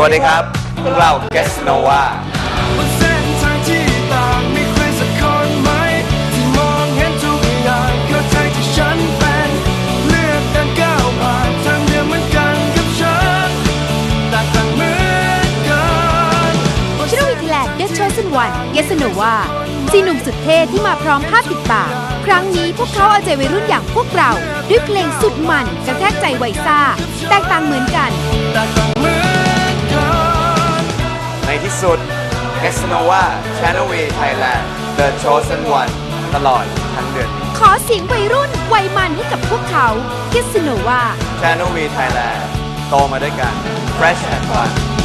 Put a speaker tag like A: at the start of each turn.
A: วัสดีครับพวกเรา Guess Nova
B: บนเส้นทางที่ต่างมีใครสักคนไหมที่มองเห็นทุกอย่างเข้าใจที่ฉันเป็นเลือกเดินก้าวผ่านทางเดียวเหมือนกันกับฉันแต่ต่างเหมือนกัน
C: ชิโนวิทแลนด์ The Chosen One Yes Nova สี่หนุ่มสุดเท่ที่มาพร้อมภาพติดปากครั้งนี้พวกเขาเอาใจวัยรุ่นอย่างพวกเราด้วยเพลงสุดมันกระแทกใจไวซ่าแตกต่างเหมือนกัน
B: แต่ต่างเหมือนกัน
A: ในที่สุด Guess Nova Channel V Thailand The Chosen One ตลอดทั้งเดือน
C: ขอเสียงวัยรุ่นวัยมันให้กับพวกเขา Yes Nova
A: Channel V Thailand โตมาด้วยกัน Fresh and Fun